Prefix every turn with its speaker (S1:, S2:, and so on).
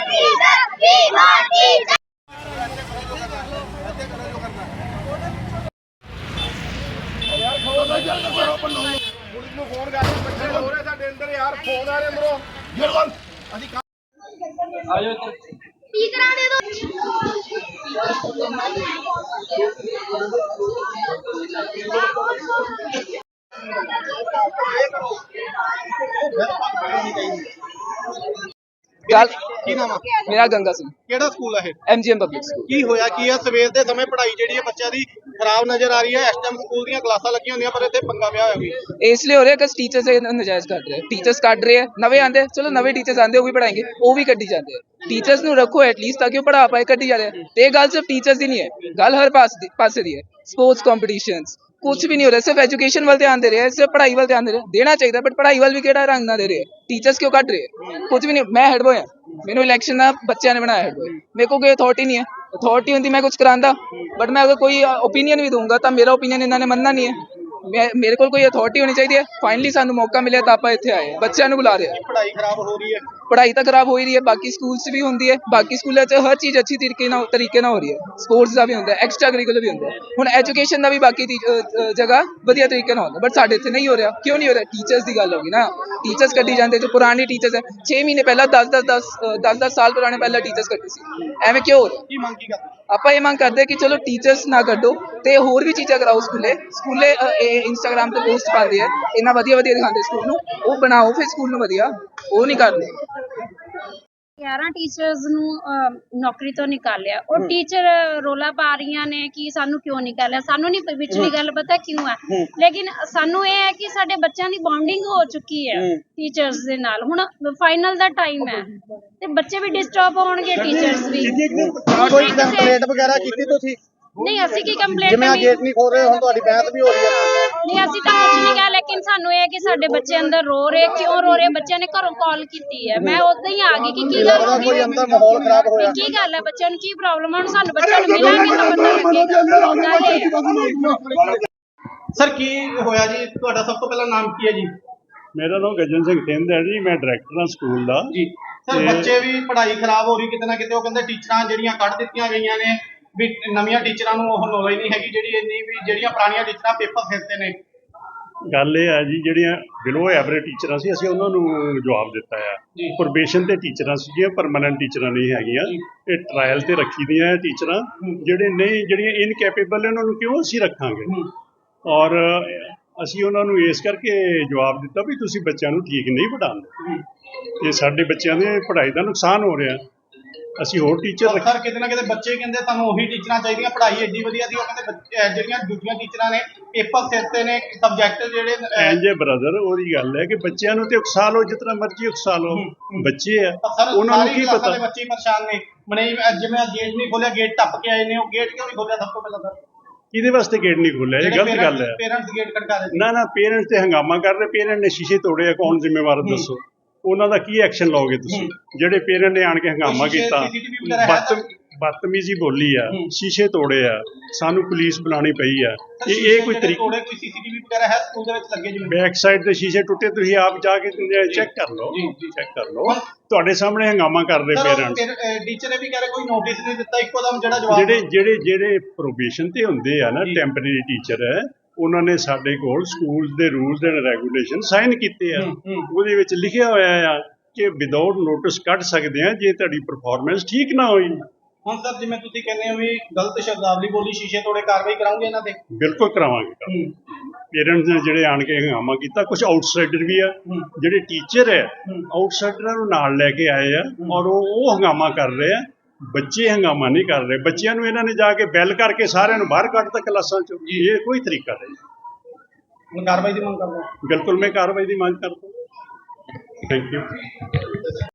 S1: ਕੀ ਨਾਮ ਆ?
S2: ਮੇਰਾ ਗੰਗਾ ਸਿੰਘ,
S1: ਕਿਹੜਾ ਸਕੂਲ ਹੈ ਇਹ?
S2: MGM public school.
S1: ਕੀ ਹੋਇਆ ਕੀ ਆ? ਸਵੇਰ ਦੇ ਸਮੇਂ ਪੜ੍ਹਾਈ ਜਿਹੜੀ ਹੈ ਬੱਚਿਆਂ ਦੀ ਖਰਾਬ ਨਜ਼ਰ ਆ ਰਹੀ ਹੈ। ਇਸ ਟਾਈਮ ਸਕੂਲ ਦੀਆਂ ਕਲਾਸਾਂ ਲੱਗੀਆਂ ਹੁੰਦੀਆਂ ਪਰ ਇੱਥੇ ਪੰਗਾ ਪਿਆ ਹੋਇਆ ਵੀ।
S2: इसलिए हो रहा है कि टीचर्स नजायज कर रहे हैं, टीचर्स काट रहे हैं, नवे आंदे चलो नवे टीचर्स आंदे वो भी पढ़ाएंगे, वो भी कड्डी जाते हैं। टीचर्स ਨੂੰ ਰੱਖੋ ਐਟਲੀਸਟ ਤਾਂ ਕਿ ਉਹ ਪੜਾ ਪਾਏ, ਕੱਢੀ ਜਾ ਰਹੇ ਤੇ ਇਹ ਗੱਲ ਸਿਰਫ ਟੀਚਰਸ ਦੀ ਨਹੀਂ ਹੈ, ਗੱਲ ਹਰ ਪਾਸੇ ਦੀ ਹੈ। ਸਪੋਰਟਸ ਕੰਪੀਟੀਸ਼ਨਸ ਕੁਝ ਵੀ ਨਹੀਂ ਹੋ ਰਿਹਾ, ਸਿਰਫ ਐਜੂਕੇਸ਼ਨ ਵੱਲ ਧਿਆਨ ਦੇ ਰਹੇ ਹੈ, ਸਿਰਫ ਪੜ੍ਹਾਈ ਵੱਲ ਧਿਆਨ ਦੇ ਰਹੇ, ਦੇਣਾ ਚਾਹੀਦਾ ਬਟ ਪੜ੍ਹਾਈ ਵੱਲ ਵੀ ਕਿਹੜਾ ਰੰਗ ਨਾ ਦੇ ਰਹੇ, ਟੀਚਰਸ ਕਿਉਂ ਕੱਢ ਰਹੇ? ਕੁਝ ਵੀ ਨਹੀਂ। ਮੈਂ ਹੈਡ ਬॉय ਹਾਂ, ਮੈਨੂੰ ਇਲੈਕਸ਼ਨ ਦਾ ਬੱਚਿਆਂ ਨੇ ਬਣਾਇਆ ਹੈਡ ਬॉय, ਮੇਰੇ ਕੋਲ ਕੋਈ ਅਥਾਰਟੀ ਨਹੀਂ ਹੈ। ਅਥਾਰਟੀ ਹੁੰਦੀ ਮੈਂ ਕੁਝ ਕਰਾਂਦਾ, ਬਟ ਮੈਂ ਅਗਰ ਕੋਈ ਓਪੀਨੀਅਨ ਵੀ ਦਊਂਗਾ ਤਾਂ ਮੇਰਾ ਓਪੀਨੀਅਨ ਇਹਨਾਂ ਨੇ ਮੰਨਣਾ ਨਹੀਂ ਹੈ। ਮੇਰੇ ਕੋਲ ਕੋਈ ਅਥਾਰਟੀ ਹੋਣੀ ਚਾਹੀਦੀ ਹੈ। ਫਾਈਨਲੀ ਸਾਨੂੰ ਮੌਕਾ ਮਿਲਿਆ ਤਾਂ ਆਪਾਂ ਇੱਥੇ ਆਏ, ਬੱਚਿਆਂ ਨੂੰ ਬੁਲਾ ਰਹੇ ਹਾਂ।
S1: ਪੜ੍ਹਾਈ ਖਰਾਬ ਹੋ ਰਹੀ ਹੈ,
S2: ਪੜ੍ਹਾਈ ਤਾਂ ਖਰਾਬ ਹੋ ਹੀ ਰਹੀ ਹੈ, ਬਾਕੀ ਸਕੂਲ 'ਚ ਵੀ ਹੁੰਦੀ ਹੈ, ਬਾਕੀ ਸਕੂਲਾਂ 'ਚ ਹਰ ਚੀਜ਼ ਅੱਛੀ ਤਰੀਕੇ ਨਾਲ ਹੋ ਰਹੀ ਹੈ। ਸਪੋਰਟਸ ਦਾ ਵੀ ਹੁੰਦਾ, ਐਕਸਟਰਾ ਕਰਿਕੂਲਰ ਵੀ ਹੁੰਦਾ, ਹੁਣ ਐਜੂਕੇਸ਼ਨ ਦਾ ਵੀ ਬਾਕੀ ਜਗ੍ਹਾ ਵਧੀਆ ਤਰੀਕੇ ਨਾਲ ਹੁੰਦਾ, ਬਟ ਸਾਡੇ ਇੱਥੇ ਨਹੀਂ ਹੋ ਰਿਹਾ। ਕਿਉਂ ਨਹੀਂ ਹੋ ਰਿਹਾ? ਟੀਚਰਸ ਦੀ ਗੱਲ ਹੋ ਗਈ ਨਾ, ਟੀਚਰਸ ਕੱਢੀ ਜਾਂਦੇ ਜੋ ਪੁਰਾਣੇ ਟੀਚਰਸ ਹੈ 6 ਮਹੀਨੇ ਪਹਿਲਾਂ 10 ਸਾਲ ਪੁਰਾਣੇ ਪਹਿਲਾਂ ਟੀਚਰਸ ਕੱਢੀ ਸੀ, ਐਵੇਂ ਕਿਉਂ ਹੋ ਰਿਹਾ?
S1: ਕੀ ਮੰਗ ਕੀ ਕਰਦੇ?
S2: ਆਪਾਂ ਇਹ ਮੰਗ ਕਰਦੇ ਕਿ ਚਲੋ ਟੀਚਰਸ ਨਾ ਕੱਢੋ ਤੇ ਹੋਰ ਵੀ ਚੀਜ਼ਾਂ ਕਰਾਓ। ਸਕੂਲੇ ਇਹ ਇੰਸਟਾਗ੍ਰਾਮ ਤੇ ਪੋਸਟ ਪਾਉਂਦੇ ਆ, ਇੰਨਾ ਵਧੀਆ ਦਿਖਾਉਂਦੇ ਸਕੂਲ ਨੂੰ, ਉਹ ਬਣਾਓ ਫਿਰ ਸਕੂਲ ਨੂੰ ਵਧੀਆ, ਉਹ ਨਹੀਂ ਕਰਦੇ।
S3: 11 ਟੀਚਰਸ ਨੂੰ ਨੌਕਰੀ ਤੋਂ ਨਿਕਾਲਿਆ, ਉਹ ਟੀਚਰ ਰੋਲਾ ਪਾ ਰਹੀਆਂ ਨੇ ਕਿ ਸਾਨੂੰ ਕਿਉਂ ਨਿਕਾਲਿਆ। ਸਾਨੂੰ ਨਹੀਂ ਵਿਚਲੀ ਗੱਲ ਪਤਾ ਕਿਉਂ ਹੈ, ਲੇਕਿਨ ਸਾਨੂੰ ਇਹ ਹੈ ਕਿ ਸਾਡੇ ਬੱਚਿਆਂ ਦੀ ਬੌਂਡਿੰਗ ਹੋ ਚੁੱਕੀ ਹੈ ਟੀਚਰਸ ਦੇ ਨਾਲ। ਹੁਣ ਫਾਈਨਲ ਦਾ ਟਾਈਮ ਹੈ ਤੇ ਬੱਚੇ ਵੀ ਡਿਸਟਰਬ ਹੋਣਗੇ, ਟੀਚਰਸ ਵੀ।
S1: ਕੋਈ ਕੰਪਲੇਂਟ ਵਗੈਰਾ ਕੀਤੀ ਤੁਸੀਂ?
S3: ਨਹੀਂ, ਅਸੀਂ ਕੀ ਕੰਪਲੇਂਟ
S1: ਜਿਵੇਂ ਗੇਟ ਨਹੀਂ ਖੋਲ ਰਹੇ, ਹੁਣ ਤੁਹਾਡੀ ਬਹਿਸ ਵੀ ਹੋ ਰਹੀ ਹੈ।
S3: ਨਹੀਂ, ਅਸੀਂ ਤਾਂ ਕੁਝ ਨਹੀਂ ਕਿਹਾ, ਲੇਕਿਨ ਸਾਨੂੰ ਇਹ ਹੈ ਕਿ ਸਾਡੇ ਬੱਚੇ ਅੰਦਰ ਰੋ ਰਹੇ, ਕਿਉਂ ਰੋ ਰਹੇ? ਬੱਚਿਆਂ ਨੇ ਘਰੋਂ ਕਾਲ ਕੀਤੀ ਹੈ, ਮੈਂ ਉਦਾਂ ਹੀ ਆ ਗਈ ਕਿ ਕੀ ਗੱਲ ਹੋ ਗਈ,
S1: ਕੋਈ ਅੰਦਰ ਮਾਹੌਲ ਖਰਾਬ ਹੋਇਆ,
S3: ਕੀ ਗੱਲ ਹੈ, ਬੱਚਿਆਂ ਨੂੰ ਕੀ ਪ੍ਰੋਬਲਮ ਹੈ? ਹੁਣ ਸਾਨੂੰ ਬੱਚਿਆਂ ਨੂੰ ਮਿਲਾਂਗੇ ਤਾਂ ਪਤਾ ਲੱਗੇਗਾ।
S1: ਸਰ ਕੀ ਹੋਇਆ ਜੀ? ਤੁਹਾਡਾ ਸਭ ਤੋਂ ਪਹਿਲਾਂ ਨਾਮ ਕੀ ਹੈ ਜੀ?
S4: ਮੇਰਾ ਨਾਮ ਗਜਨ ਸਿੰਘ ਥਿੰਦ ਹੈ ਜੀ, ਮੈਂ ਡਾਇਰੈਕਟਰ ਹਾਂ ਸਕੂਲ ਦਾ
S1: ਜੀ। ਸਰ ਬੱਚੇ ਵੀ ਪੜ੍ਹਾਈ ਖਰਾਬ ਹੋ ਰਹੀ ਕਿਤੇ ਨਾ ਕਿਤੇ, ਉਹ ਕਹਿੰਦੇ ਟੀਚਰਾਂ ਜਿਹੜੀਆਂ ਕੱਢ ਦਿੱਤੀਆਂ ਗਈਆਂ ਨੇ ਵੀ ਨਵੀਆਂ ਟੀਚਰਾਂ ਨੂੰ ਉਹ ਨੌਲੇਜ ਨਹੀਂ ਹੈਗੀ ਜਿਹੜੀ ਇੰਨੀ ਵੀ ਜਿਹੜੀਆਂ ਪੁਰਾਣੀਆਂ ਟੀਚਰਾਂ ਪੇਪਰ ਸਿਰਤੇ ਨੇ।
S4: ਗੱਲ ਇਹ ਹੈ ਜੀ, ਜਿਹੜੀਆਂ ਬਿਲੋ ਐਵਰੇਜ ਟੀਚਰਾਂ ਸੀ ਅਸੀਂ ਉਹਨਾਂ ਨੂੰ ਜਵਾਬ ਦਿੱਤਾ ਆ। ਪ੍ਰੋਬੇਸ਼ਨ ਤੇ ਟੀਚਰਾਂ ਸੀਗੀਆਂ, ਪਰਮਾਨੈਂਟ ਟੀਚਰਾਂ ਨਹੀਂ ਹੈਗੀਆਂ। ਇਹ ਟਰਾਇਲ ਤੇ ਰੱਖੀ ਦੀਆਂ ਟੀਚਰਾਂ, ਜਿਹੜੀਆਂ ਇਨਕੈਪੇਬਲ ਉਹਨਾਂ ਨੂੰ ਕਿਉਂ ਅਸੀਂ ਰੱਖਾਂਗੇ? ਔਰ ਅਸੀਂ ਉਹਨਾਂ ਨੂੰ ਇਸ ਕਰਕੇ ਜਵਾਬ ਦਿੱਤਾ ਵੀ ਤੁਸੀਂ ਬੱਚਿਆਂ ਨੂੰ ਠੀਕ ਨਹੀਂ ਪੜ੍ਹਾਉਂਦੇ, ਇਹ ਸਾਡੇ ਬੱਚਿਆਂ ਦੇ ਪੜ੍ਹਾਈ ਦਾ ਨੁਕਸਾਨ ਹੋ ਰਿਹਾ, ਅਸੀਂ ਹੋਰ ਟੀਚਰ
S1: ਸਰ ਕਿਤੇ ਨਾ ਕਿਤੇ ਬੱਚੇ ਕਹਿੰਦੇ ਤੁਹਾਨੂੰ ਉਹੀ ਟੀਚਰਾਂ ਚਾਹੀਦੀਆਂ, ਪੜ੍ਹਾਈ ਐਡੀ ਵਧੀਆ ਦੀ। ਉਹ ਕਹਿੰਦੇ ਜਿਹੜੀਆਂ ਦੂਜੀਆਂ ਟੀਚਰਾਂ ਨੇ ਪੇਪਰ ਸਿਰਤੇ ਨੇ, ਸਬਜੈਕਟ ਜਿਹੜੇ
S4: ਐਂਜੇ ਬ੍ਰਦਰ, ਉਹਦੀ ਗੱਲ ਹੈ ਕਿ ਬੱਚਿਆਂ ਨੂੰ ਤੇ ਉਕਸਾ ਲਓ, ਜਿਤਨਾ ਮਰਜ਼ੀ ਉਕਸਾ ਲਓ, ਬੱਚੇ ਆ ਉਹਨਾਂ ਨੂੰ ਕੀ ਪਤਾ।
S1: ਬੱਚੇ ਪਰੇਸ਼ਾਨ ਨੇ, ਮਨੇ ਜਿਵੇਂ ਗੇਟ ਨਹੀਂ ਖੋਲਿਆ, ਗੇਟ ਟੱਪ ਕੇ ਆਏ ਨੇ, ਉਹ ਗੇਟ ਕਿਉਂ ਨਹੀਂ ਖੋਲਿਆ ਸਭ ਤੋਂ ਪਹਿਲਾਂ? ਸਰ
S4: ਕਿਹਦੇ ਵਾਸਤੇ ਗੇਟ ਨਹੀਂ ਖੋਲਿਆ? ਇਹ ਗਲਤ ਗੱਲ ਹੈ।
S1: ਪੇਰੈਂਟਸ ਗੇਟ ਖੜਕਾ ਰਹੇ
S4: ਨਾ ਪੇਰੈਂਟਸ ਤੇ ਹੰਗਾਮਾ ਕਰ ਰਹੇ, ਪੇਰੈਂਟ ਨੇ ਸ਼ੀਸ਼ੇ ਤੋੜੇ ਆ, ਕੌਣ ਜ਼ਿੰਮੇਵਾਰ ਦੱਸੋ? ਉਹਨਾਂ ਦਾ ਕੀ ਐਕਸ਼ਨ ਲਓਗੇ ਤੁਸੀਂ? ਜਿਹੜੇ ਪੇਰੈਂਟ ਨੇ ਆਣ ਕੇ ਹੰਗਾਮਾ ਕੀਤਾ, ਬਦਤਮੀਜ਼ੀ ਬੋਲੀ ਆ, ਸ਼ੀਸ਼ੇ ਤੋੜੇ ਆ, ਸਾਨੂੰ ਪੁਲਿਸ ਬੁਲਾਉਣੀ ਪਈ ਆ, ਇਹ ਕੋਈ ਤਰੀਕਾ?
S1: ਕੋਈ ਸੀਸੀਟੀਵੀ ਵਗੈਰਾ ਹੈ ਸਕੂਲ ਦੇ ਵਿੱਚ ਲੱਗੇ? ਜਿਵੇਂ
S4: ਬੈਕ ਸਾਈਡ ਤੇ ਸ਼ੀਸ਼ੇ ਟੁੱਟੇ, ਤੁਸੀਂ ਆਪ ਜਾ ਕੇ ਚੈੱਕ ਕਰ ਲਓ, ਚੈੱਕ ਕਰ ਲਓ। ਤੁਹਾਡੇ ਸਾਹਮਣੇ ਹੰਗਾਮਾ ਕਰਦੇ ਪੇਰੈਂਟਸ।
S1: ਟੀਚਰ ਵੀ ਕਹਿ ਰਹੇ ਕੋਈ ਨੋਟਿਸ ਨਹੀਂ ਦਿੱਤਾ, ਇੱਕੋ ਦਮ ਜਿਹੜਾ ਜਵਾਬ।
S4: ਜਿਹੜੇ ਪ੍ਰੋਬੇਸ਼ਨ ਤੇ ਹੁੰਦੇ ਆ ਨਾ, ਟੈਂਪਰੇਰੀ ਟੀਚਰ ਹੈ, ਉਹਨਾਂ ਨੇ ਸਾਡੇ ਕੋਲ ਸਕੂਲ ਦੇ ਰੂਲਸ ਐਂਡ ਰੈਗੂਲੇਸ਼ਨ ਸਾਈਨ ਕੀਤੇ ਆ, ਉਹਦੇ ਵਿੱਚ ਲਿਖਿਆ ਹੋਇਆ ਆ ਕਿ ਵਿਦਆਊਟ ਨੋਟਿਸ ਕੱਢ ਸਕਦੇ ਆ ਜੇ ਤੁਹਾਡੀ ਪਰਫਾਰਮੈਂਸ ਠੀਕ ਨਾ ਹੋਈ।
S1: ਹੁਣ ਸਰ ਜਿਵੇਂ ਤੁਸੀਂ ਕਹਿੰਦੇ ਹੋ ਵੀ ਗਲਤ ਸ਼ਬਦਾਵਲੀ ਬੋਲੀ, ਸ਼ੀਸ਼ੇ ਤੋੜੇ, ਕਾਰਵਾਈ ਕਰਾਉਂਗੇ ਇਹਨਾਂ ਤੇ?
S4: ਬਿਲਕੁਲ ਕਰਾਵਾਂਗੇ। ਪੇਰੈਂਟਸ ਨੇ ਜਿਹੜੇ ਆਣ ਕੇ ਹੰਗਾਮਾ ਕੀਤਾ, ਕੁਝ ਆਊਟਸਾਈਡਰ ਵੀ ਆ, ਜਿਹੜੇ ਟੀਚਰ ਹੈ ਆਊਟਸਾਈਡਰਾਂ ਨੂੰ ਨਾਲ ਲੈ ਕੇ ਆਏ ਆ ਔਰ ਉਹ ਹੰਗਾਮਾ ਕਰ ਰਹੇ ਆ, ਬੱਚੇ ਹੰਗਾਮਾ ਨਹੀਂ ਕਰ ਰਹੇ। ਬੱਚਿਆਂ ਨੂੰ ਇਹਨਾਂ ਨੇ ਜਾ ਕੇ ਬੈਲ ਕਰਕੇ ਸਾਰਿਆਂ ਨੂੰ ਬਾਹਰ ਕੱਢਤਾ ਕਲਾਸਾਂ ਚੋਂ, ਇਹ ਕੋਈ ਤਰੀਕਾ ਨਹੀਂ।
S1: ਕਾਰਵਾਈ ਦੀ ਮੰਗ ਕਰਦਾ?
S4: ਬਿਲਕੁਲ ਮੈਂ ਕਾਰਵਾਈ ਦੀ ਮੰਗ ਕਰਦਾ। Thank you.